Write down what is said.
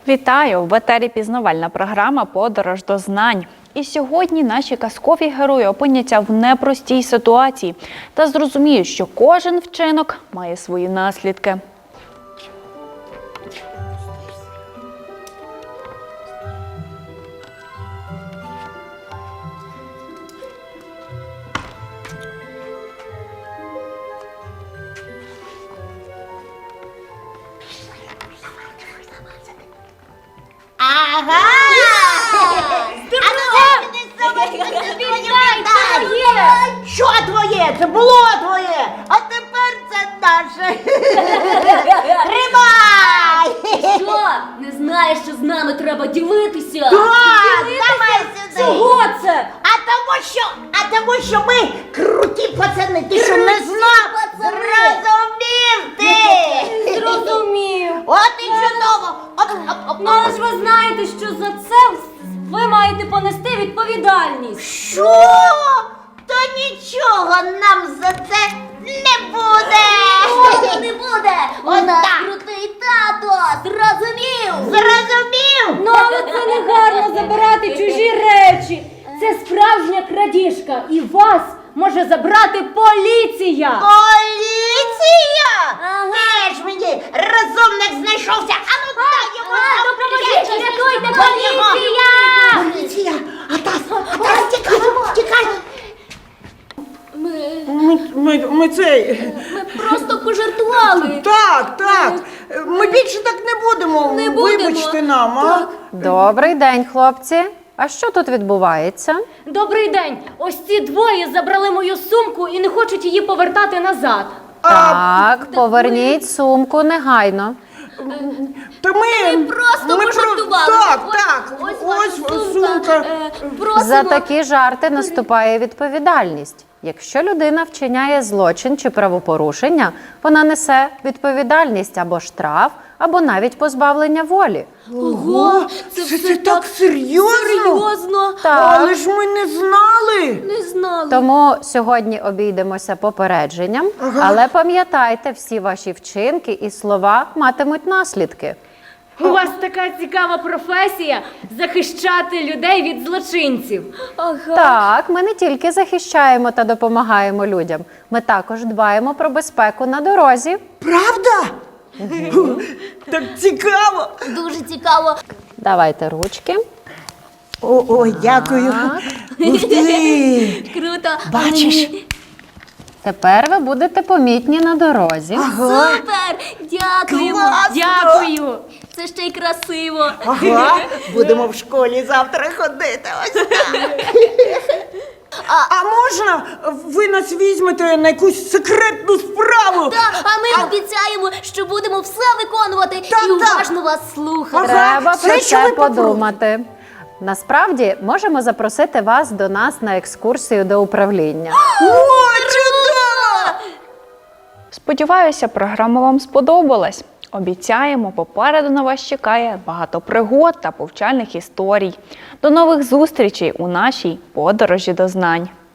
Вітаю! В етері пізнавальна програма «Подорож до знань». І сьогодні наші казкові герої опиняться в непростій ситуації та зрозуміють, що кожен вчинок має свої наслідки. Ага! Що твоє? Це було твоє, а тепер це наше. Тримай! Що? Не знаєш, що з нами треба ділитися? Так, давай сюди. Чого це? А тому що ми круті пацани. Ти що не знав? Зрозумів ти! Зрозумів. От і чудово. Ну, але ж ви знаєте, що за це ви маєте понести відповідальність. Що? То нічого нам за це не буде. Не буде. У нас крутий тато. Зрозумів? Зрозумів? Ну, але це не гарно забирати чужі речі. Це справжня крадіжка. І вас може забрати поліція. Поліція? Ага. Теж мені розумник знайшовся. Ану, дай йому. Допоможіть, рятуйте, поліція! Поліція! Атас, тікай! Ми Просто пожартували. Так. Ми більше так не будемо. Не будемо. Вибачте нам, а? Так. Добрий день, хлопці. А що тут відбувається? Добрий день. Ось ці двоє забрали мою сумку і не хочуть її повертати назад. Так, поверніть сумку негайно. Та ми Просто пожартували. Так. Ось сумка. Просимо. За такі жарти наступає відповідальність. Якщо людина вчиняє злочин чи правопорушення, вона несе відповідальність або штраф, або навіть позбавлення волі. Ого, Це так серйозно? серйозно. Так. Але ж ми не знали. Не знали. Тому сьогодні обійдемося попередженням, але пам'ятайте, всі ваші вчинки і слова матимуть наслідки. У вас така цікава професія – захищати людей від злочинців. Ага. Так, ми не тільки захищаємо та допомагаємо людям, ми також дбаємо про безпеку на дорозі. Правда? Так цікаво. Дуже цікаво. Давайте ручки. Ой, дякую. Ух ти. Круто. Бачиш? Тепер ви будете помітні на дорозі. Супер! Дякуємо! Класно! Дякую! Це ще й красиво. Ага, будемо в школі завтра ходити. Ось так. А можна ви нас візьмете на якусь секретну справу? Так, а ми обіцяємо, що будемо все виконувати Так, і уважно вас слухати. Треба все, про що це ви попробуєте. подумати. Насправді, можемо запросити вас до нас на екскурсію до управління. О, чудово! Сподіваюся, програма вам сподобалась. Обіцяємо, попереду на вас чекає багато пригод та повчальних історій. До нових зустрічей у нашій подорожі до знань.